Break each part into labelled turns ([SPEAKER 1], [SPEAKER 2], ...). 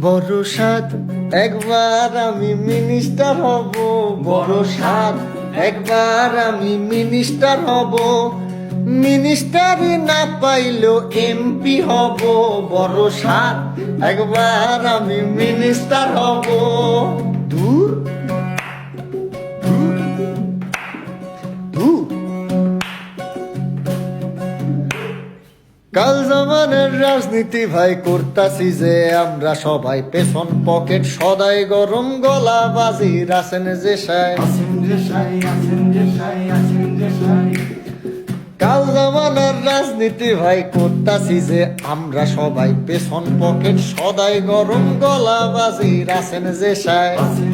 [SPEAKER 1] বড় সাদ একবার আমি মিনিস্টার হব, বড় সাদ একবার আমি মিনিস্টার হব, মিনিস্টারই না পাইলেও এমপি হব, বড় সাদ একবার আমি মিনিস্টার হব। দূর দূর দূর কাল জামানের রাজনীতি ভাই করতাছি যে আমরা সবাই, পেছন পকেট সদাই গরম গলা বাজি রাসেন যে সাই, কাল জামানের রাজনীতি ভাই করতাছি যে আমরা সবাই, পেছন পকেট সদাই গরম গলা বাজি রাসেন যে সাই।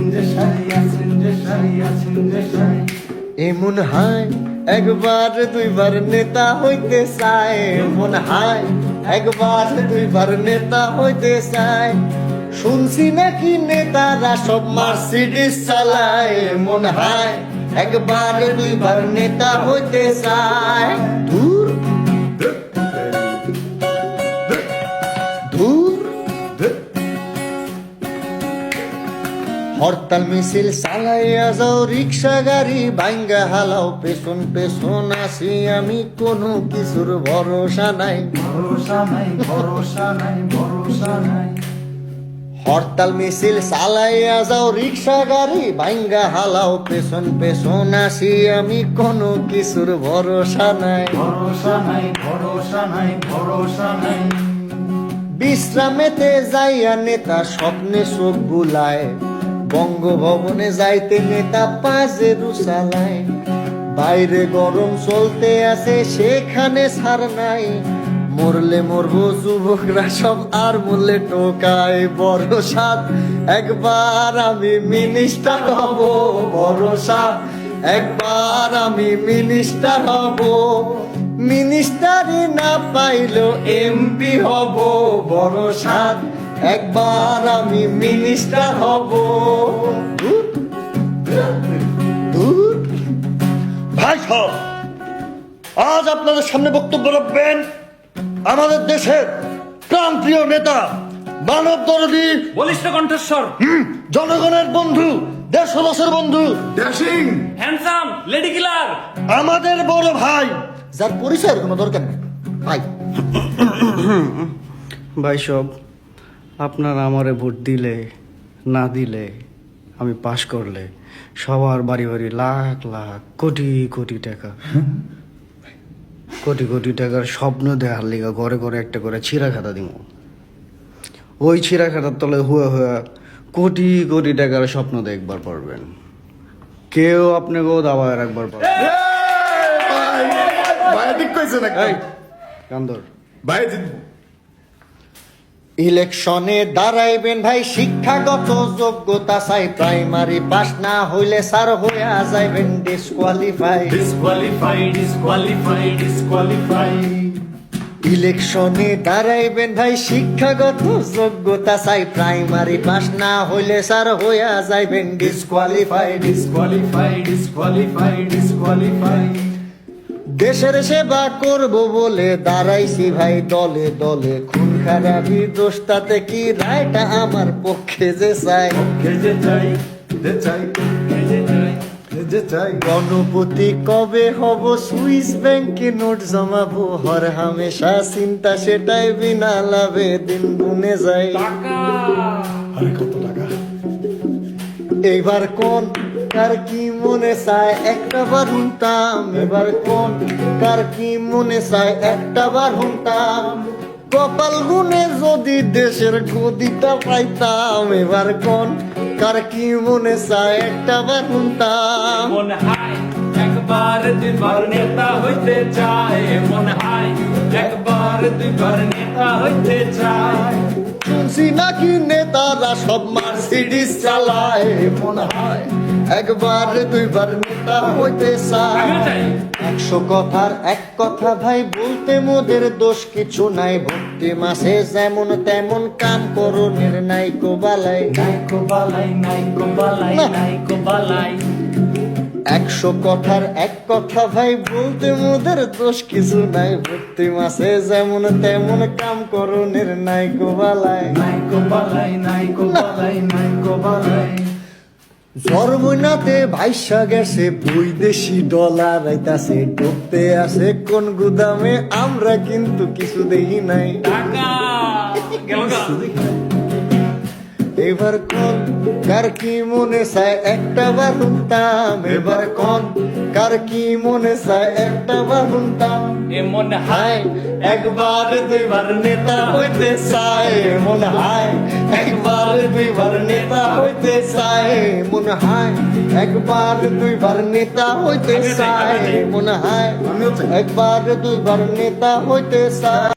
[SPEAKER 1] এমন হাই একবার দুইবার নেতা হইতে চায়, এমন হাই একবার দুইবার নেতা হইতে চায়, শুনছি নাকি নেতারা সব মার্সিডিস চালায়, এমন হাই একবার দুইবার নেতা হইতে চায়। দূর দূর হরতাল মিছিল চালাইয়া যাও, রিক্সা গাড়ি ভাঙ্গা হালাও, পেছন পেছন আসি আমি, কোনো কিছুর ভরসা নাই,
[SPEAKER 2] ভরসা নাই, ভরসা নাই, ভরসা নাই।
[SPEAKER 1] হরতাল মিছিল চালাইয়া যাও, রিক্সা গাড়ি ভাঙ্গা হালাও, পেছন পেছন আসি আমি, কোনো কিছুর ভরসা নাই,
[SPEAKER 2] ভরসা নাই, ভরসা নাই, ভরসা নাই।
[SPEAKER 1] বিশ্রামেতে যাইয়া নেতা স্বপ্নে চোখ বুলায়, বঙ্গভবনে যাইতে নেতা পাজেরু চালায়, বাইরে গরম চলতে আছে সেখানে ছাড় নাই, মরলে মরবো যুবকরা সব আর মরলে টোকায়, বড় সাদ একবার আমি মিনিস্টার হব, বড় সাদ একবার আমি মিনিস্টার হব, মিনিস্টারই না পাইলেও এমপি হব, বড় সাদ একবার আমি মিনিস্টার হব। দূর ভাই সাহেব, আজ আপনাদের সামনে বক্তব্য রাখবেন আমাদের দেশের প্রাণপ্রিয় নেতা, মানব দরদী,
[SPEAKER 3] বলিষ্ঠ কণ্ঠস্বর,
[SPEAKER 1] জনগণের বন্ধু, দেশবাসীর বন্ধু,
[SPEAKER 2] ড্যাশিং,
[SPEAKER 3] হ্যান্ডসাম, লেডি কিলার,
[SPEAKER 1] আমাদের বড় ভাই, যার পরিচয়ের কোনো দরকার নেই ভাই।
[SPEAKER 4] ভাই সব আপনারা আমারে ভোট দিলে না দিলে, আমি পাশ করলে সবার বাড়ি বাড়ি লাখ লাখ কোটি কোটি টাকা, কোটি কোটি টাকার স্বপ্ন দেখার লিগা ঘরে ঘরে একটা করে ছিঁড়া খাতা দিব, ওই ছিঁড়া খাতার তলে হুয়া হুয়া কোটি কোটি টাকার স্বপ্ন দেখবার পারবেন, কেউ আপনাকেও দাবায় রাখবার পারবেন।
[SPEAKER 2] ভাই ঠিক কইছে না
[SPEAKER 4] এই কান্দর
[SPEAKER 2] ভাই।
[SPEAKER 1] ইলেকশনে দাঁড়াইবেন ভাই, শিক্ষাগত যোগ্যতা চাই, প্রাইমারি পাস না হইলে স্যার হইয়া যাইবেন ডিসকোয়ালিফাই,
[SPEAKER 3] ডিসকোয়ালিফাই, ডিসকোয়ালিফাই, ডিসকোয়ালিফাই।
[SPEAKER 1] ইলেকশনে দাঁড়াইবেন ভাই, শিক্ষাগত যোগ্যতা চাই, প্রাইমারি পাস না হইলে স্যার হইয়া যাইবেন ডিসকোয়ালিফাই,
[SPEAKER 3] ডিসকোয়ালিফাই, ডিসকোয়ালিফাই, ডিসকোয়ালিফাই।
[SPEAKER 1] দেশের সেবা করব বলে দাঁড়াইছি ভাই দলে দলে, খুন খারাপি দোষটাতে কি রায়টা আমার পক্ষে যে চাই,
[SPEAKER 2] যে চাই, যে চাই,
[SPEAKER 3] যে চাই,
[SPEAKER 2] যে চাই।
[SPEAKER 1] গণপতি কবে হব, সুইস ব্যাংকে নোট জমাবো, হর হামেশা চিন্তা সেটাই, বিনা লাভে দিন গুনে যায়।
[SPEAKER 3] টাকা,
[SPEAKER 2] আরে কত টাকা।
[SPEAKER 1] এইবার কোন কার কি মনে চায় একটা বার হুনতাম, এবার কোন কার কি মনে চায় একটা বার হুনতাম, কপাল গুনে যদি দেশের গদিটা পাইতাম, এবার কোন কার কি মনে চায় একটা বার হুনতাম।
[SPEAKER 3] মনে হয় একবার দুইবার নেতা হইতে চায়, মনে হয় একবার দুইবার নেতা হইতে চায়।
[SPEAKER 1] শুনছি নাকি নেতারা সব মার্সিডিস চালায়, মনে হয় একবার দুইবার নেতা হইতে চায়।
[SPEAKER 3] আমিও চাই।
[SPEAKER 1] 100 কথার এক কথা ভাই, বলতে মোদের দোষ কিছু নাই, ভক্তি মাসে যেমন তেমন কাম করণের নাইকো বালাই,
[SPEAKER 3] নাইকো বালাই, নাইকো বালাই, নাইকো বালাই।
[SPEAKER 1] 100 কথার এক কথা ভাই, বলতে মোদের দোষ কিছু নাই। প্রতি মাসে যেমন তেমন কাম করণের নাই গোবালায়।
[SPEAKER 2] নাইকো বালাই নাইকো বালাই নাইকো বালাই
[SPEAKER 1] জর্মনাতে ভাইসা গেছে বৈদেশি ডলার আইতাছে, ঢুকতে আছে কোন গুদামে, আমরা কিন্তু কিছু দেখি নাই।
[SPEAKER 3] টাকা গেল গা।
[SPEAKER 1] এবার কোন কার কি মনে চায় একটা বার শুনতাম, এবার কোন কার কি মনে চায় একটা বার শুনতাম।
[SPEAKER 3] এমন হাই
[SPEAKER 1] হায় একবার দুইবার নেতা হইতে চায়, মনে হয় একবার দুইবার নেতা হইতে চায়, মনে হয় একবার দুইবার নেতা হইতে চায়, মনে হয় একবার দুইবার নেতা হইতে চায়।